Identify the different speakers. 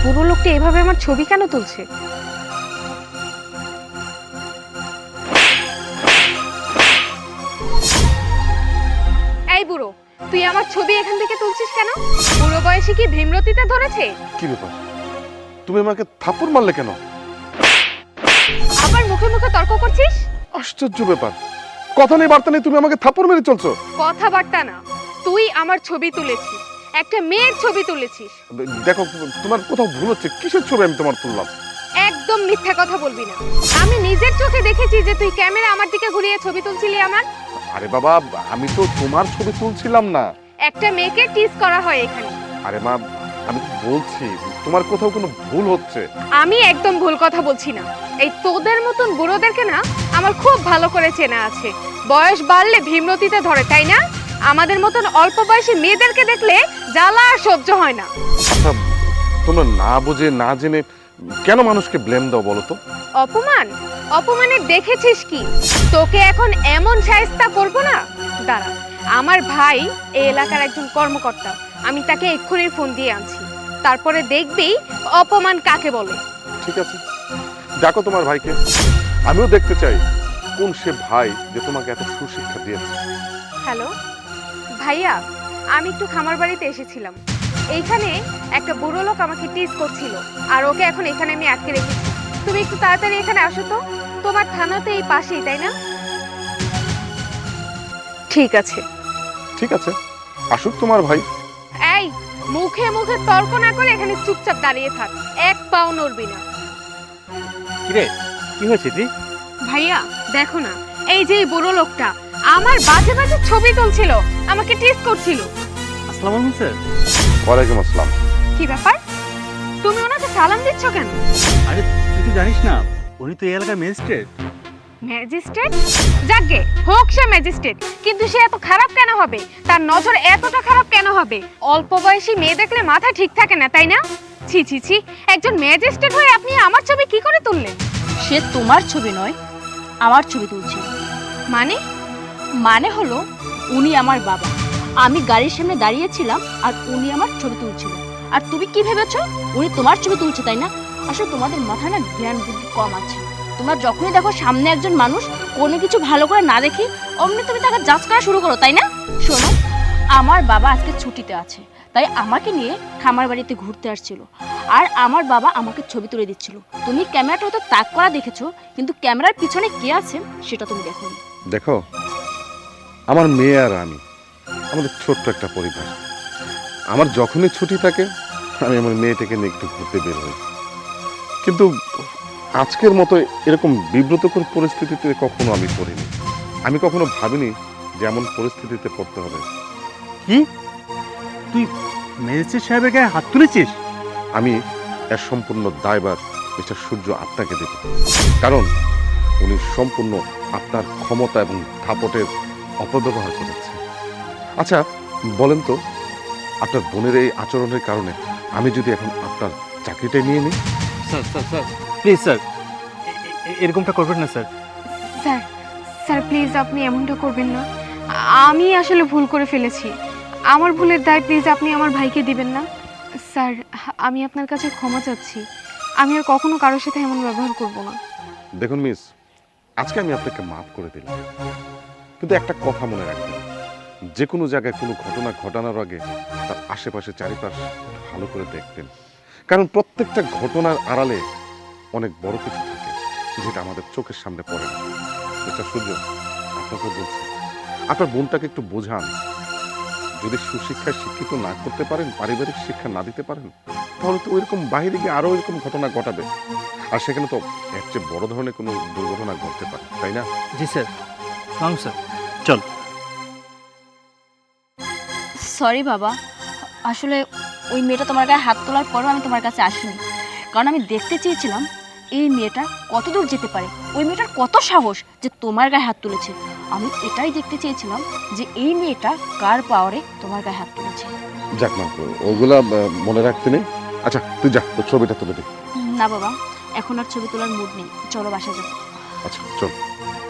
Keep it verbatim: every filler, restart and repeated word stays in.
Speaker 1: বুড়ো লোকটা এভাবে আমার ছবি কেন তুলছে? এই বুড়ো, তুই আমার ছবি এখান থেকে তুলছিস কেন? বুড়ো বয়সে কি ভীমরতিতে ধরেছে?
Speaker 2: কি ব্যাপার, তুমি আমাকে থাপ্পড় মারলে কেন?
Speaker 1: আবার মুখে মুখে তর্ক করছিস?
Speaker 2: আশ্চর্য ব্যাপার, কথা নেই বার্তা নেই, তুমি আমাকে থাপ্পড় মেরে চলছো।
Speaker 1: কথাবার্তা না, তুই আমার ছবি তুলেছিস, একটা মেয়ের ছবি তুলেছিস।
Speaker 2: দেখো, তোমার কোথাও ভুল হচ্ছে। কিসের ছবি আমি তোমার তুললাম?
Speaker 1: একদম মিথ্যা কথা বলবি না। আমি নিজের চোখে দেখেছি যে তুই ক্যামেরা আমার দিকে ঘুরিয়ে ছবি তুলছিলি আমার।
Speaker 2: আরে বাবা, আমি তো তোমার ছবি তুলছিলাম না।
Speaker 1: একটা মেয়েকে টিজ করা হয় এখানে।
Speaker 2: আরে মা, আমি তো বলছি তোমার কোথাও কোনো ভুল হচ্ছে।
Speaker 1: আমি একদম ভুল কথা বলছি না। এই তোদের মতন বুড়োদেরকে না আমার খুব ভালো করে চেনা আছে। বয়স বাড়লে ভীমরতিতে ধরে, তাই না? আমাদের মতন অল্প বয়সী মেয়েদেরকে দেখলে জ্বালা আর সহ্য হয় না।
Speaker 2: আচ্ছা, তোমরা না বুঝে না জেনে কেন মানুষকে ব্লেম দাও বলো তো?
Speaker 1: অপমান অপমানের দেখেছিস কি? তোকে এখন এমন শায়েস্তা করব না, দাঁড়া। আমার ভাই এই এলাকার একজন কর্মকর্তা, আমি তাকে এক্ষুনি ফোন দিয়ে আনছি। তারপরে দেখবি অপমান কাকে বলে।
Speaker 2: ঠিক আছে, ডাকো তোমার ভাইকে। আমিও দেখতে চাই কোন সে ভাই যে তোমাকে এত সুশিক্ষা দিয়েছে।
Speaker 1: হ্যালো ভাইয়া, আমি একটু খামার বাড়িতে এসেছিলাম। এইখানে একটা বুড়ো লোক আমাকে টিজ করছিল, আর ওকে এখন এখানে আমি আটকে রেখেছি। তুমি একটু তাড়াতাড়ি এখানে আসো তো। তোমার থানা তো এই পাশেই, তাই না? ঠিক আছে।
Speaker 2: ঠিক আছে, আসুক তোমার ভাই।
Speaker 1: এই, মুখে মুখে তর্ক না করে এখানে চুপচাপ দাঁড়িয়ে থাক, এক পাও নড়বি না।
Speaker 3: কিরে, কি হয়েছে তুই?
Speaker 1: ভাইয়া দেখো না, এই যে এই বুড়ো লোকটা আমার বাজে বাজে ছবি তুলছিল, আমাকে টিজ করছিল।
Speaker 3: আসসালামু আলাইকুম স্যার।
Speaker 2: ওয়ালাইকুম আসসালাম।
Speaker 1: কি ব্যাপার, তুমি ওনাকে সালাম দিচ্ছ কেন?
Speaker 3: আরে তুই তো জানিস না, উনি তো এই এলাকার ম্যাজিস্ট্রেট।
Speaker 1: ম্যাজিস্ট্রেট? যাকে হোক সে ম্যাজিস্ট্রেট, কিন্তু সে এত খারাপ কেন হবে? তার নজর এতটা খারাপ কেন হবে? অল্প বয়সী মেয়ে দেখলে মাথা ঠিক থাকে না, তাই না? ছি ছি ছি, একজন ম্যাজিস্ট্রেট হয়ে আপনি আমার ছবি কি করে তুললেন?
Speaker 4: সে তোমার ছবি নয়, আমার ছবি তুলছে।
Speaker 1: মানে?
Speaker 4: মানে হলো উনি আমার বাবা, আমি গাড়ির সামনে দাঁড়িয়েছিলাম আর উনি আমার ছবি তুলছিল। আর তুমি কি ভেবেছো উনি তোমার ছবি তুলছে, তাই না? আসলে তোমাদের মাথায় না জ্ঞান বুদ্ধি কম আছে। তোমরা যখনই দেখো সামনে একজন মানুষ কোনো কিছু ভালো করে না দেখি অমনি তুমি তাকে জাজ করা শুরু করো, তাই না? শোনো, আমার বাবা আজকে ছুটিতে আছে, তাই আমাকে নিয়ে খামার বাড়িতে ঘুরতে আসছিল, আর আমার বাবা আমাকে ছবি তুলে দিচ্ছিল। তুমি ক্যামেরাটা হয়তো তাক করা দেখেছো, কিন্তু ক্যামেরার পিছনে কে আছে সেটা তুমি দেখোনি।
Speaker 2: দেখো, আমার মেয়ে আর আমি, আমাদের ছোট্ট একটা পরিবার। আমার যখনই ছুটি থাকে আমি আমার মেয়েটাকে নিয়ে একটু ঘুরতে বের হই, কিন্তু আজকের মতো এরকম বিব্রতকর পরিস্থিতিতে কখনো আমি পড়িনি। আমি কখনো ভাবিনি যে এমন পরিস্থিতিতে পড়তে হবে।
Speaker 3: কি, তুই ম্যাজিস্ট্রেট সাহেবের গায়ে হাত তুলেছিস?
Speaker 2: আমি এর সম্পূর্ণ দায়ভার মিস্টার সূর্য আপনাকে দেব, কারণ উনি সম্পূর্ণ আপনার ক্ষমতা এবং দাপটের অপব্যবহার করেছে। আচ্ছা বলেন তো, আপনার বোনের এই আচরণের কারণে আমি যদি এখন আপনার চাকরিটা নিয়ে নিই?
Speaker 3: Sir sir sir please sir, এরকমটা করবেন না স্যার।
Speaker 1: স্যার স্যার প্লিজ আপনি এমনটা করবেন না। আমি আসলে ভুল করে ফেলেছি, আমার ভুলের দায় প্লিজ আপনি আমার ভাইকে দিবেন না। স্যার আমি আপনার কাছে ক্ষমা চাচ্ছি, আমি আর কখনো কারোর সাথে এমন ব্যবহার করব না।
Speaker 2: দেখুন মিস, আজকে আমি আপনাকে মাফ করে দিলাম, কিন্তু একটা কথা মনে রাখবেন, যে কোনো জায়গায় কোনো ঘটনা ঘটানোর আগে তার আশেপাশে চারিপাশ ভালো করে দেখবেন, কারণ প্রত্যেকটা ঘটনার আড়ালে অনেক বড় কিছু থাকে যেটা আমাদের চোখের সামনে পড়ে না। মিস্টার সূর্য, আপনাকে বলছি, আপনার বোনটাকে একটু বোঝান। যদি সুশিক্ষায় শিক্ষিত না করতে পারেন, পারিবারিক শিক্ষা না দিতে পারেন, তাহলে তো ওইরকম বাইরে গিয়ে আরো এরকম ঘটনা ঘটাবে, আর সেখানে তো এর চেয়ে বড় ধরনের কোনো দুর্ঘটনা ঘটতে পারে, তাই না?
Speaker 3: জি স্যার, সালাম স্যার, চল।
Speaker 4: সরি বাবা, আসলে ওই মেয়েটা তোমার গায়ে হাত তোলার পরও আমি তোমার কাছে আসিনি, কারণ আমি দেখতে চেয়েছিলাম এই মেয়েটা কত দূর যেতে পারে, ওই মেয়েটার কত সাহস যে তোমার গায়ে হাত তুলেছে। আমি এটাই দেখতে চেয়েছিলাম যে এই মেয়েটা কার পাওয়ারে তোমার গায়ে হাত তুলেছে।
Speaker 2: যাক না, ওগুলা মনে রাখতে নেই। আচ্ছা তুই যা, তোর ছবিটা তুলে দে।
Speaker 4: না বাবা, এখন আর ছবি তোলার মুড নেই, চলো বাসা যাবো।
Speaker 2: আচ্ছা চল।